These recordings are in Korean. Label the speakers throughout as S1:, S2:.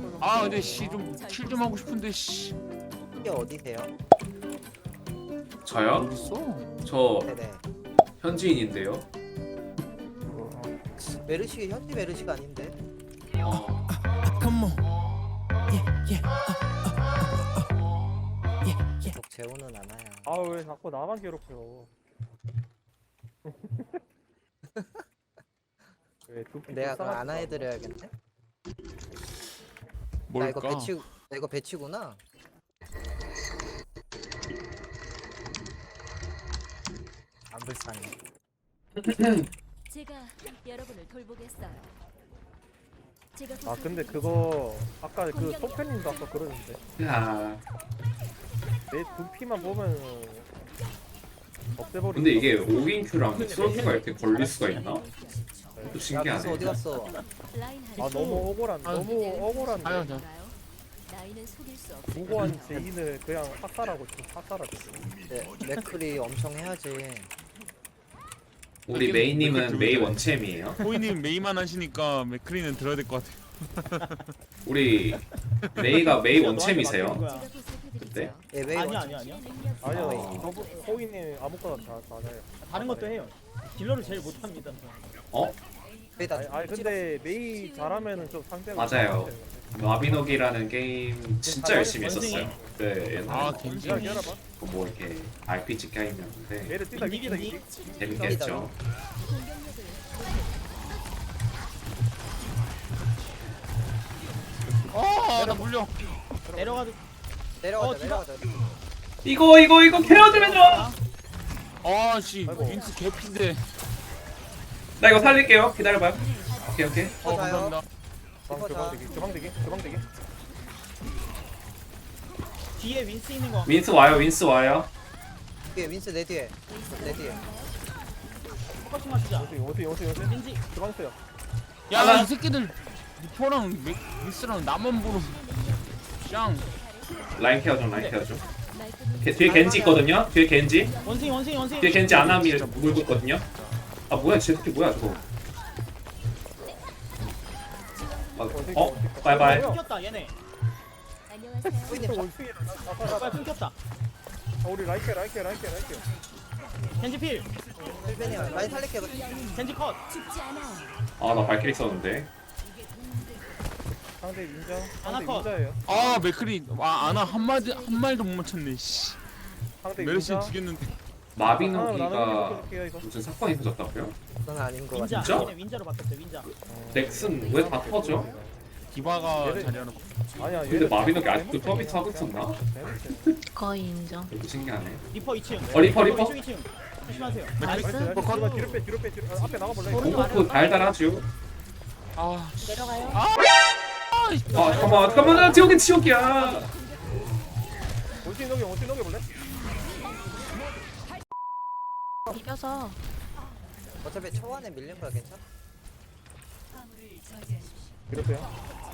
S1: 아 근데 씨 좀 킬 좀 하고 싶은데 씨
S2: 이게 어디세요?
S3: 저요?
S1: 어디 있어?
S3: 저
S2: 네네.
S3: 현지인인데요.
S2: 메르시 현지 메르시가 아닌데.
S3: 어,
S2: 계속 재우는 않아요.
S4: 아 왜 자꾸 나만 괴롭혀? 왜 두피
S2: 내가 그럼
S4: 불쌍하지도
S2: 안 해드려야겠네. 나
S1: 뭘까?
S2: 이거 배치구나. 안 불쌍해.
S5: 제가 여러분을 돌보겠어요. 제가
S4: 아 근데 그거 아까 그 소편님도 아까 그러는데
S3: 야,
S4: 내 두피만 보면 없애버리고.
S3: 근데 이게 5인 큐랑 솔드가 이렇게 걸릴 수가 있나? 또
S2: 야, 미스
S3: 신기하네.
S2: 어디 갔어?
S4: 아 너무 억울한
S1: 아유.
S4: 너무 억울한데.
S1: 아유, 저-
S5: 나이는 속일 수 없어.
S4: 무고한 죄인을 그냥 학살하고 지금 학살하고.
S2: 네, 맥클이 엄청 해야지.
S3: 우리 메이님은 메이 원챔이에요.
S1: 호이님 메이만 하시니까 맥크리는 들어야 될 것 같아요.
S3: 우리 메이가 메이 원챔이세요?
S5: 제가
S3: 그때?
S5: 보살펴드리죠.
S2: 예, 웨이
S6: 아니요
S2: 원칙.
S6: 아니요 아니요
S4: 아니요
S3: 어.
S4: 저분 호이님 아무거나 다 맞아요.
S6: 다른 것도 해요. 딜러를 제일 못합니다.
S3: 어?
S2: 웨이 다
S4: 아니 근데 메이 잘하면은 좀 상대가
S3: 맞아요. 마비노기라는 게임 진짜 열심히 했었어요. 네,
S1: 아
S3: 옛날에
S1: 겐지.
S4: 기다려봐.
S3: 뭐 이렇게 RPG 게임이었는데
S4: 메를 뛰다 뛰다 뛰다.
S3: 재밌게 했죠.
S1: 아나 물려.
S6: 내려가도
S2: 내려가자,
S6: 디바.
S2: 내려가자.
S3: 이거 케어 좀 해줘.
S1: 아씨
S4: 아이고.
S1: 윈스 개피인데.
S3: 나 이거 살릴게요. 기다려봐요. 오케이.
S1: 감사합니다.
S4: 주방대기.
S6: 뒤에 윈스 있는 거
S3: 윈스 와요.
S2: 뒤에 윈스 내 뒤에. 내 뒤에.
S6: 포커싱 하시자.
S4: 오세요.
S6: 겐지
S4: 주방 있어요.
S1: 야 이 새끼들 리퍼랑 윈스랑 나만 보는. 짱.
S3: 라인 케어 좀. 뒤에 겐지 있거든요. 뒤에 겐지 아나미 물고 있거든요. 아 뭐야, 쟤 새끼 뭐야 저거. 바이바이.
S6: 끊겼다 얘네.
S5: 안녕하세요.
S2: 호이님
S4: 원숭이
S6: 빨리 끊겼다.
S4: 우리 라이케.
S6: 겐지 필.
S2: 힐벤이야. 라인 살릴게.
S6: 겐지 컷.
S5: 죽지 않아요.
S3: 아 나 발키리 썼는데.
S4: 상대 인정.
S6: 하나
S4: 상대
S6: 컷.
S4: 인자예요.
S1: 아 맥크리. 와 아나 한 마디도 못 맞췄네. 씨.
S4: 상대
S1: 메르시
S4: 인자.
S1: 죽였는데.
S3: 마비노기가 무슨 사건이 터졌다고요?
S2: 넌 아닌 거 같아.
S6: 윈자.
S3: 진짜?
S6: 얘네 윈자로 바뀌었어 윈자.
S3: 넥슨 왜 다 터져?
S1: 디바가
S4: 얘네-
S1: 자리하는.
S4: 아니야.
S3: 근데 마비노기 아직도 서비스 하고 있었나?
S7: 거의 인정.
S3: 되게 신기하네.
S6: 리퍼 2층.
S3: 리퍼.
S6: 이쪽 2층. 조심하세요.
S7: 나이스.
S4: 뒤로 빼. 앞에 나가볼래?
S3: 공포프 달달하죠.
S1: 아
S7: 내려가요.
S3: 아 잠깐만 지옥은 지옥이야.
S4: 원숭이 녹여볼래?
S7: 이겨서
S2: 어차피 초반에 밀린 거야, 괜찮아?
S4: 뒤로 빼요.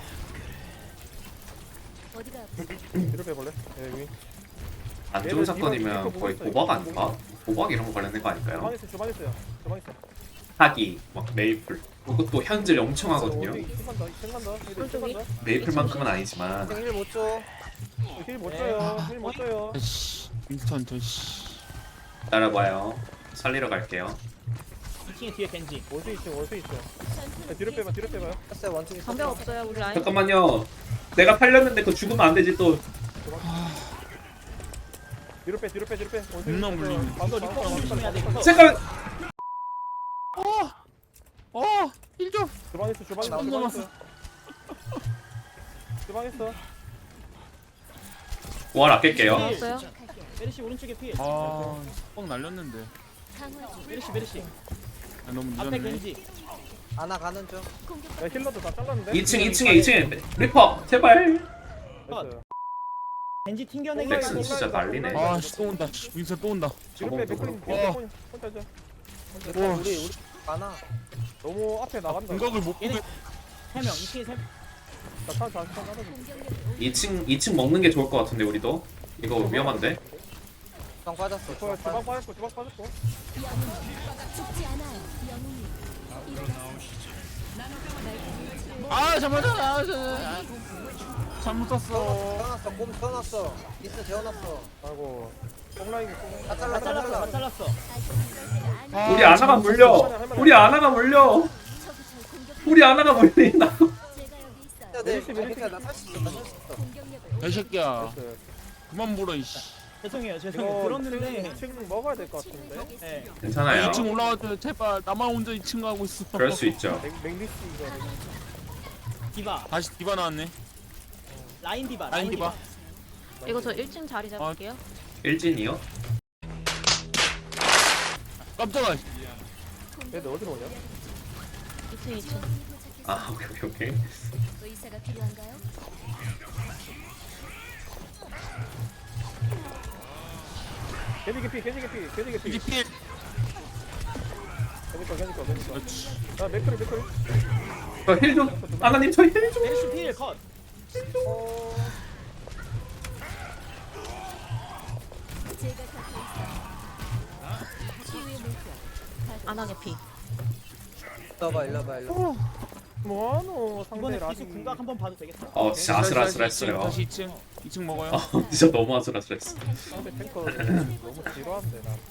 S5: 어디가
S4: 뒤로 빼볼래? 위.
S3: 안 좋은 사건이면 거의 도박 아닌가? 도박 이런 거 관련된 거 아닐까요?
S4: 주방 있어요.
S3: 사기, 막 메이플. 그것도 현질 엄청 하거든요.
S4: 생간다.
S3: 메이플만큼은 아니지만
S2: 힐 못 줘.
S4: 힐못 줘요.
S1: 씨. 윈스턴 저 씨.
S3: 따라봐요. 살리러 갈게요.
S6: 2층에 뒤에 겐지.
S4: 원숭이 있어. 뒤로 빼봐요.
S2: 했어요, 원숭이.
S7: 방벽 없어요 우리 라인.
S3: 잠깐만요. 내가 팔렸는데 그거 죽으면 안 되지 또.
S4: 뒤로 빼.
S1: 겁나 물리네.
S6: 이거 리퍼 조심해야 돼. 이거.
S3: 잠깐.
S1: 힐 좀.
S4: 주방 있어. 주방 있어.
S3: 원 아낄게요.
S7: 없어요?
S6: 메르시 오른쪽에 필.
S1: 뻥 날렸는데.
S5: 강화 중.
S6: 메르시.
S1: 아, 너무
S6: 앞에
S1: 늦었네.
S6: 겐지.
S2: 아나 가는 중.
S4: 야, 힐러도 다 잘랐는데?
S3: 2층에 리퍼 제발.
S4: 됐어요.
S6: 겐지 튕겨내기.
S3: 넥슨 진짜 난리네.
S1: 아씨 또 온다. 씨, 윈스턴 또 온다.
S4: 뒤로 빼.
S3: 저번도
S4: 맥클린 혼자 하자.
S1: 와,
S2: 우리 많아.
S4: 너무 앞에 나간다.
S1: 공각을 못 보게.
S6: 3명 2층에 3명.
S4: 나탄 나가자.
S5: 공격력을
S3: 2층 먹는 게 좋을 것 같은데 우리도. 이거 위험한데.
S2: 방 빠졌어.
S4: 주방 빠졌고.
S5: 죽지 않아요. 영웅이 일어나세요.
S1: 아 잠깐만. 잘못 쐈어.
S2: 태어났어. 곰 태어났어. 미스 재워놨어.
S4: 아이고 뽕라인이 뽕.
S2: 다
S6: 다
S2: 잘라
S6: 잘랐어 다
S2: 잘라.
S6: 잘랐어.
S1: 아,
S3: 우리 아나가 물려. 우리 아나가 물려. 우리 아나가 물린다.
S5: 제가 여기 있어요.
S2: 야, 내 괜찮아. 나살수 있어. 나살수 있어.
S5: 공격력을
S1: 이 새끼야.
S4: 됐어요.
S1: 그만 물어 이씨.
S6: 죄송해요
S4: 이거
S6: 들었는데.
S4: 2층 먹어야 될 것 같은데.
S6: 네.
S3: 괜찮아요.
S1: 2층 올라와줘 제발. 나만 혼자 2층 가고 있어.
S3: 그럴 수 있죠.
S4: 맥리스 이거.
S6: 디바
S1: 다시 디바 나왔네.
S6: 라인 디바
S1: 라인 디바.
S7: 이거 저 1층 자리 잡을게요.
S3: 일진이요?
S1: 깜짝아.
S4: 얘들 어디로 오냐?
S7: 2층 2층.
S3: 아 오케이.
S5: 의사가 필요한가요?
S4: 겐지 개피 겐지 개피 겐지 개피.
S1: 이제 필.
S4: 겐지 거.
S1: 그렇지.
S4: 아 맥크리.
S3: 저힐 좀. 아나님 저 힐 좀.
S6: 메르시 필 컷.
S5: 제가 갖고 있어요. 치유의 물결.
S7: 안 하게 피.
S2: 일로 와봐.
S4: 뭐하노 상대
S6: 이번에
S4: 라인.
S6: 기수 궁각 한번 봐도 되겠다.
S3: 진짜 아슬아슬했어요.
S1: 다시 2층. 2층 먹어요.
S3: 진짜 너무 아슬아슬했어.
S4: 상대 탱커 너무 지루한데 난.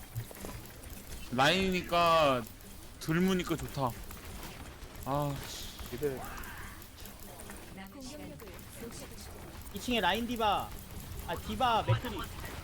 S1: 라인이니까 들무니까 좋다. 아, 씨.
S4: 이들
S5: 공격력을 높여주시고
S6: 2층에 라인 디바. 아 디바 맥크리.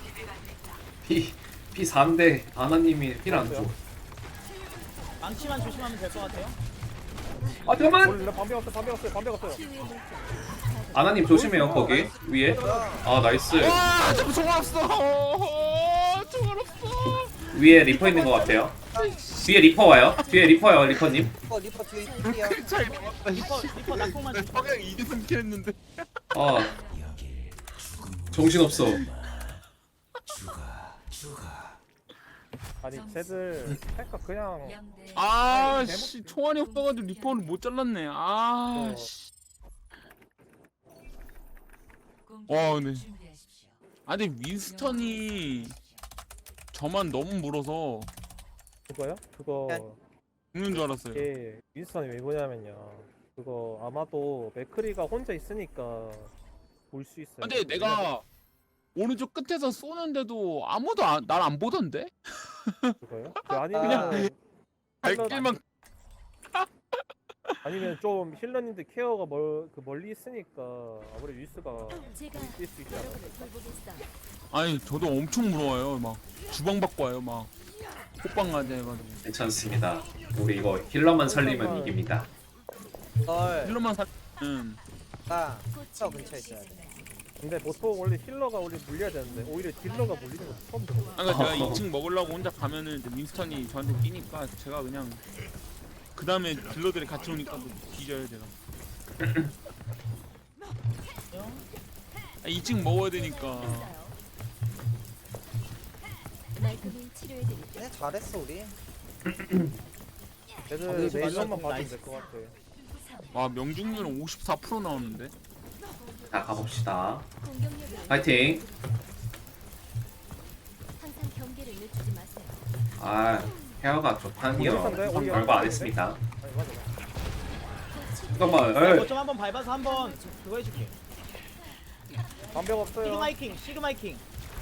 S3: 피 4인데 아나님이 필 안 줘.
S6: 망치만 조심하면 될 것 같아요.
S3: 아 잠깐만.
S4: 원래 반배 왔어요.
S5: 치유의 물결.
S3: 아나님 조심해요 거기 위에. 아 나이스.
S1: 와, 잠깐 총알 없어. 총알 없어.
S3: 위에 리퍼 있는 것 같아요. 뒤에 리퍼 와요. 뒤에 리퍼요 리퍼님.
S2: 리퍼 뒤에 있야.
S1: 차이 나왔다.
S6: 리퍼 낙폭만
S1: 나
S6: 조심.
S1: 방향 2대3 킬 했는데.
S3: 아 정신 없어.
S4: 아니 쟤들 탱커 그냥
S1: 아, 씨, 총알이 없어가지고 리퍼를 못 잘랐네. 아, 씨. 와, 네. 아, 근데 윈스턴이 저만 너무 물어서
S4: 그거요? 그거
S1: 죽는 줄 알았어요.
S4: 이게 윈스턴이 왜 그러냐면요. 그거 아마도 맥크리가 혼자 있으니까 볼 수 있어요.
S1: 근데 내가 오른쪽 끝에서 쏘는데도 아무도 날 안 보던데?
S4: 그거요? 아니면
S1: 발길만.
S4: 아니면 좀 힐러님들 케어가 멀리 있으니까 아무래도 윈스가
S5: 제가
S4: 뛸 수 있지 않아요?
S5: 여러분을 돌보겠어요.
S1: 아니, 저도 엄청 물어와요. 막 주방 받고 와요. 막 호빵 가자 해가지고.
S3: 괜찮습니다. 우리 이거 힐러만 살리면 이깁니다.
S2: 널.
S1: 힐러만 살면
S2: 나. 저 근처에 있어야 돼.
S4: 근데 보통 원래 힐러가 원래 물려야 되는데 오히려 딜러가 물리는 거 처음 들어요.
S1: 아까 제가 2층 먹으려고 혼자 가면은 이제 윈스턴이 저한테 끼니까 제가 그냥 그 다음에 딜러들이 같이 오니까 또 뒤져요 제가. 2층 먹어야 되니까.
S5: 말끔히 치료해드릴게요.
S2: 그냥 잘했어 우리.
S4: 걔들
S6: 그래서
S4: 내일만
S6: 맞아.
S4: 봐주면 될 것 같아.
S1: 와, 명중률은 54% 나오는데.
S3: 자 가봅시다.
S5: 공격력을
S3: 파이팅.
S5: 항상 경계를 늦추지 마세요.
S3: 아 헤어가 좋다니요. 별거 안 했습니다.
S4: 아니 맞아.
S3: 잠깐만.
S6: 이거 좀 한번 밟아서 한번 그거 해줄게.
S4: 반벽 없어요.
S6: 시그마 이킹.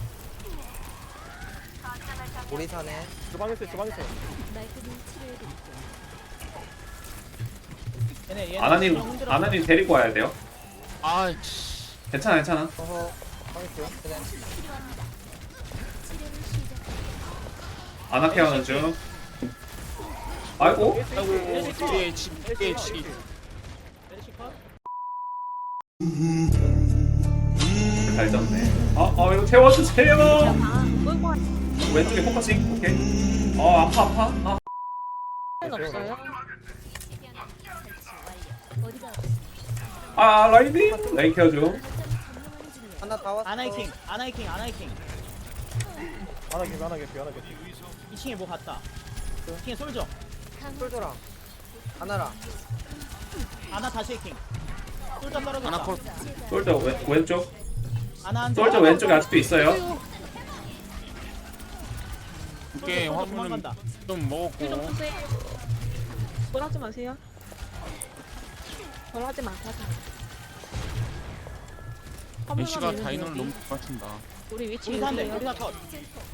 S2: 우리 사네.
S4: 주방에 있어요.
S5: 말끔히 치료해드릴게요.
S6: 얘네
S3: 아나님 데리고 와야 돼요.
S1: 아, 씨.
S3: 괜찮아.
S2: 어허. 방했어요. 그냥.
S5: 필요합니다. 치료를 시작.
S3: 아나 케어는 중. 아이고.
S1: 아이고, 뒤에 치.
S6: 메르시 컷.
S3: 잘 잡네. 이거 태워주세요.
S7: 아, 끌고 와.
S3: 왼쪽에 포커싱. 오케이. 아파.
S7: 는 없어요?
S5: 어디가
S3: 라인 케어 중.
S2: 하나 다 왔어.
S6: 아나이킹.
S4: 하나 개피.
S6: 2층에 뭐 갔다. 2층에 솔져.
S2: 솔저랑. 하나랑.
S6: 아나 다시 해킹. 솔져 떨어졌다.
S1: 하나 컷.
S3: 솔저 왼쪽.
S6: 아나 한
S3: 솔저 왼쪽에 아직도 있어요.
S1: 오케이, 화물은
S6: 도망간다.
S1: 좀 먹었고.
S7: 좀 푸세요. 뭘 하지 마세요.
S1: 애쉬가 다이너를 너무 잘 맞춘다.
S7: 우리 위치
S6: 우리 사인데
S7: 유리해요.
S6: 우리 사 컷.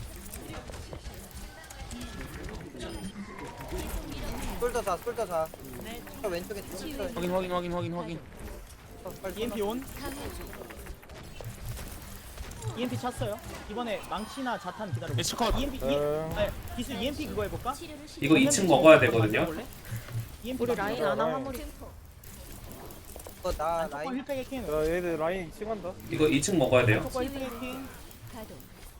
S2: 솔더 자, 솔더 자. 저 왼쪽에 솔더.
S1: 확인.
S6: EMP 온.
S5: 강화주.
S6: EMP 찼어요. 이번에 망치나 자탄 기다려.
S1: 애쉬 컷.
S6: EMP 아니 기술 EMP 그거 해볼까?
S5: 치료를
S3: 이거
S5: 시작.
S3: 2층 먹어야 되거든요.
S6: EMP
S7: 우리 라인 안 하면 우리
S5: 증폭.
S2: 나
S6: 조금
S2: 라인.
S6: 힐팩 해킹.
S4: 야 얘들 라인 2층 한다.
S3: 이거 2층 먹어야 돼요.
S6: 조금 힐팩 해킹.
S5: 가동.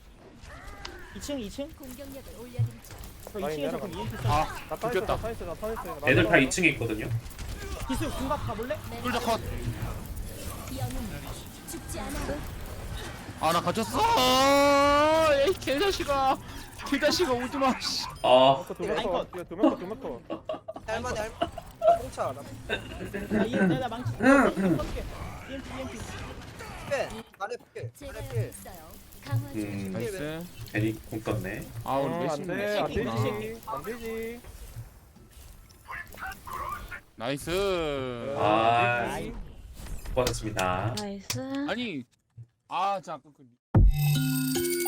S6: 2층.
S5: 공격력을 올려드리죠.
S6: 저
S4: 라인
S6: 2층에서 그럼
S4: 내려가.
S6: EMP 써.
S1: 아,
S4: 나타
S1: 죽겠다.
S4: 있어.
S3: 애들 다 2층에 있거든요.
S6: 기술 궁각 가볼래?
S1: 솔저 컷.
S5: 영웅 죽지 않아.
S1: 아, 나 갇혔어. 에이, 개자식아. 오지마. 씨.
S3: 아,
S4: 두명 컷.
S2: 할만해, 할만해. 나 뽕차. 나
S6: 내가 망치 써줄게. EMP.
S2: 빼. 아래 필.
S5: 제가
S2: 아래
S5: 여기
S2: 필.
S5: 있어요. 강화주.
S1: 나이스.
S3: 괜히 공 떴네.
S1: 아, 우리
S4: 안돼
S1: 메시.
S4: 안 되지.
S1: 나이스.
S3: 아, 수고하셨습니다.
S7: 나이스.
S1: 아니, 아, 자, 그